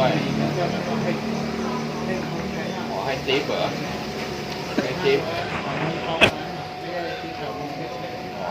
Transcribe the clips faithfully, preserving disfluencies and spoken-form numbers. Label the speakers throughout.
Speaker 1: ด้วยขอให้ติ๊บเหรอให้ติ๊บอ๋อ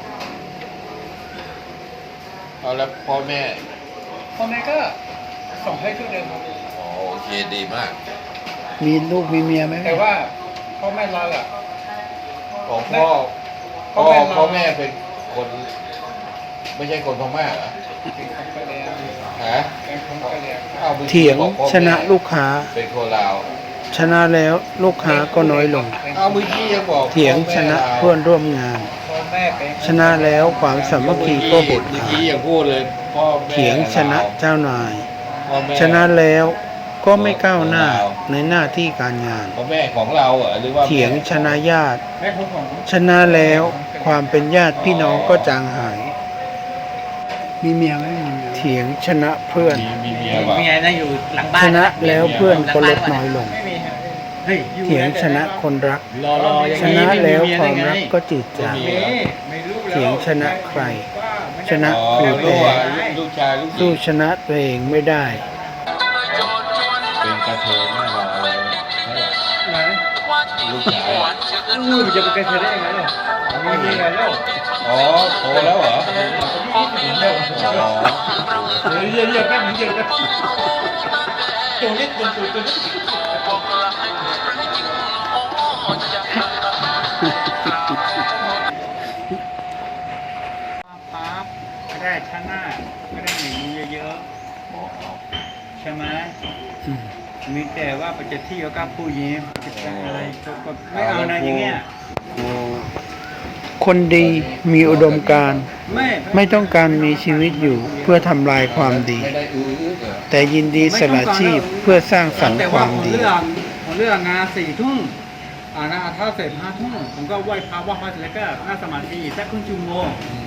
Speaker 1: เอาแล้วพ่อแม่
Speaker 2: พ่อแม่ก็ส่งให้ทุกเดือนครับ
Speaker 1: อ๋อโอเคดีมาก
Speaker 3: มีลูกมีเมียไหม
Speaker 2: แต่ว่าพ่อแม่เราอ่ะ
Speaker 1: ของพ่อพ่อพ่อแม่เป็นคนไม่ใช่คนพม่าเหรอฮะ
Speaker 3: เถียงชนะลูกค้า
Speaker 1: เป็นคนลาว
Speaker 3: ชนะแล้วลูกค้าก็น้อยลง
Speaker 1: เอาเมื่อกี้ยังบอก
Speaker 3: เถียงชนะเพื่อนร่วมงานชนะแล้วความสามัคคีก็หดหายเถียงชนะเจ้านายชนะแล้วก็ไม่ก้าวหน้าในหน้าที่การงาน
Speaker 1: พ่อแม่ของเราเหรอหรือว่า
Speaker 3: เถียงชนะญาติชนะแล้วความเป็นญาติพี่น้องก็จางหายมีเมียไหมเถียงชนะเพื่อน
Speaker 1: มีเมีย
Speaker 2: เมียนะอยู่หลังบ้าน
Speaker 3: ชนะแล้วเพื่อนก็ลดน้อยลงเถียงชนะคนรักชนะแล้วความรักก็จืดจางเถียงชนะใครชนะครูแต่สู้ชนะตัวเองไม่ได้
Speaker 1: เป็นกระเทยแน่นอนเลย
Speaker 2: ไหน
Speaker 1: ลูกชาย
Speaker 2: ลูกจะเป็นกระเทยได้ยังไงเนี่ยมีเมียแล้ว
Speaker 1: อ๋อโตแล้วเหรออ๋อ
Speaker 2: เยอะเยอะแป๊บนึงเยอะแป๊บตัวนิดตัวตัวตัวนิดปั๊บก็ได้ชนะก็ได้หนีเยอะๆใช่ไหมมีแต่ว่าไปจะที่แล้วก็ผู้หญิงจะอะไรก็ไม่เอานะอย่างเงี้ย
Speaker 3: คนดีมีอุดมการณ์ไม่ต้องการมีชีวิตอยู่เพื่อทำลายความดีแต่ยินดีสละชีพเพื่อสร้างสรรค์ความดี
Speaker 2: แต่ว่าผมเลือกงานสี่ทุ่มอ่านะถ้าเสร็จห้าทุ่มผมก็ไหว้พระไหว้พระเสร็จแล้วก็นั่งสมาธิสักครึ่งชั่วโมง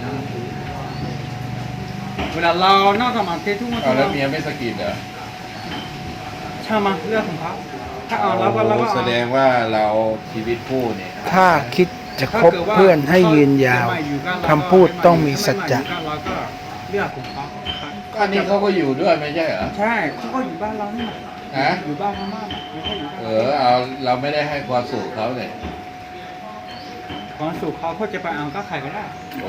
Speaker 2: เวลาเรานั่งสมาธิทุกวัน
Speaker 1: แล้วเมียไม่สกิดเหรอ
Speaker 2: ใช่ไหมเรื่องของเขาถ้าเอาแล้วก็เราก็
Speaker 1: แสดงว่าเราชีวิตคู่เนี่ย
Speaker 3: ถ้าคิดจะคบเพื่อนให้ยืนยาวคำพูดต้องมีสัจจะ
Speaker 2: เราก็เลือกของเขา
Speaker 1: ก็นี่เขาก็อยู่ด้วยไม่ใช่เหรอ
Speaker 2: ใช่เขาก็อยู่บ้านเรานี่
Speaker 1: ฮะ
Speaker 2: อยู่บ้านพม่า
Speaker 1: เออเอาเราไม่ได้ให้ความสุขเขาเลย
Speaker 2: ความสุขเขาเขาจะไปเอาก็ใครก็ได้
Speaker 1: โอ้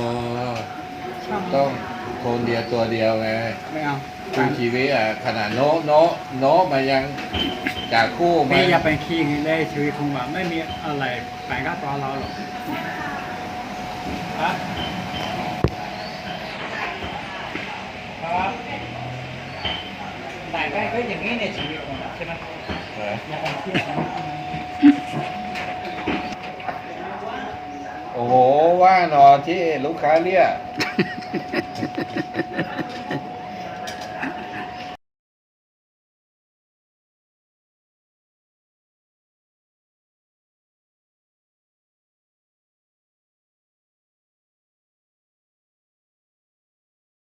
Speaker 1: ต้องคนเดียวตัวเดียวไง
Speaker 2: ไม่เอา
Speaker 1: คู่ชีวิตอ่ะขนาดโน้โน้โน้มายังจากคู่มา
Speaker 2: ไม่อย่าไปขี้เงินได้ชีวิตของเราไม่มีอะไรแปลงกับตัวเราหรอกฮะครับแต่ก็ก็อย่างนี้ในชีวิตของเราใช่ไหมอย่าไปขี้
Speaker 1: โอ้โหว่าหนอที่ลูกค้าเรียก